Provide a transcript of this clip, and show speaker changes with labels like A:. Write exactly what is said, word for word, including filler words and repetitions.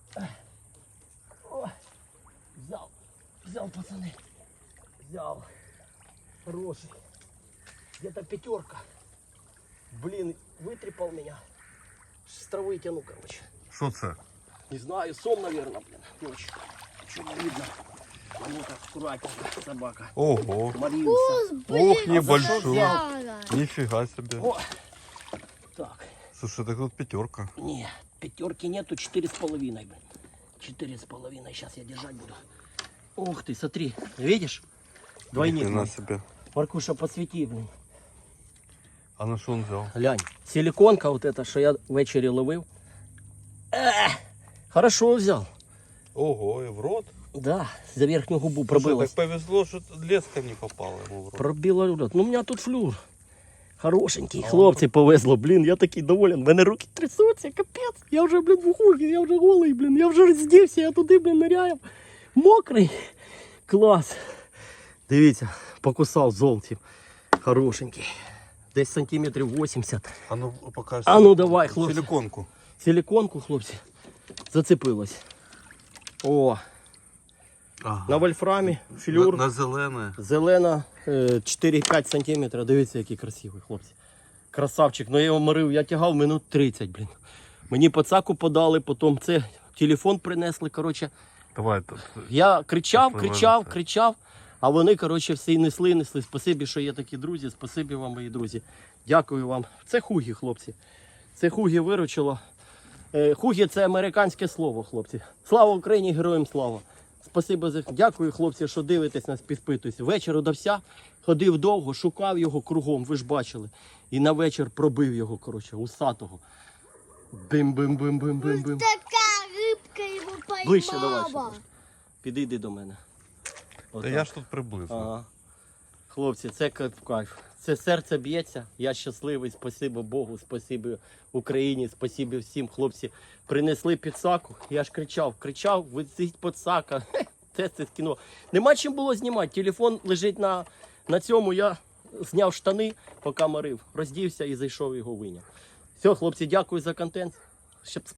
A: О, взял, взял, пацаны. Взял. Хороший. Где-то пятерка. Блин, вытрепал меня. С травы тяну, короче.
B: Що це?
A: Не знаю, сон, наверное, блин. Ночь. Ничего не видно. А ну-ка, аккуратненько, собака.
B: Ого.
A: Морился.
B: Ох,
A: А
B: небольшой.
C: Взяла.
B: Нифига себе.
A: О! Так,
B: Слушай, так тут пятерка.
A: не, пятерки нету, четыре с половиной, блин. Четыре с половиной, сейчас я держать буду. Ух ты, смотри, видишь? Двойник.
B: Ни на
A: мой.
B: себе.
A: Маркуша, подсвети, блин.
B: А на що він взяв?
A: Глянь, силиконка вот эта, що я ввечері ловив. Е, хорошо взяв.
B: Ого, і в рот?
A: Да, за верхню губу
B: Слушай,
A: пробилась.
B: так повезло, що леска не попала йому в рот.
A: Пробила рот. Ну, у меня тут флюр. Хорошенький. Хлопці повезло, блін, я такий доволен. У мене руки трясуться, капець. Я вже, блін, в ухожі, я вже голий, блін. Я вже роздівся, я туди, блін, ниряю. Мокрий. Клас. Дивіться, покусав золотів. Хорошенький. Десь сантиметрів вісімдесят.
B: А ну покажи.
A: А ну давай, хлопці.
B: Силиконку.
A: Силиконку, хлопці, зацепилось. О,
B: Ага.
A: на вольфрамі, флюр.
B: На, на зелене.
A: Зелена е, чотири-п'ять сантиметрів. Дивіться, який красивий, хлопці. Красавчик. Ну я його морив, я тягав минут тридцять, блін. Мені пацаку подали, потім це телефон принесли, коротше.
B: Давай тут.
A: Я кричав,
B: Тут
A: кричав,
B: вивезти.
A: кричав, а вони, коротше, всі несли, несли. Спасибі, що є такі друзі, спасибі вам, мої друзі. Дякую вам. Це хугі, хлопці. Це хугі виручило. Е, Хугі це американське слово, хлопці. Слава Україні, героям слава. Спасибо за дякую, хлопці, що дивитесь нас, підпитуєтесь. Вечір удався, ходив довго, шукав його кругом, ви ж бачили. І на вечір пробив його, коротше, усатого. Бим-бим-бим-бим-бим-бим.
C: Така рибка його поймала.
A: Ближче давай. ще трошки. Підійди до мене.
B: Та
A: Отак.
B: я ж тут приблизно.
A: Ага. Хлопці, це кайф. Це серце б'ється. Я щасливий. Спасибо Богу, спасибі Україні, спасибі всім. Хлопці принесли підсаку. Я ж кричав, кричав, висить підсака. Це це кіно. Нема чим було знімати. Телефон лежить на, на цьому. Я зняв штани, поки морив. Роздівся і зайшов його виняв. Все, хлопці, дякую за контент. Щоб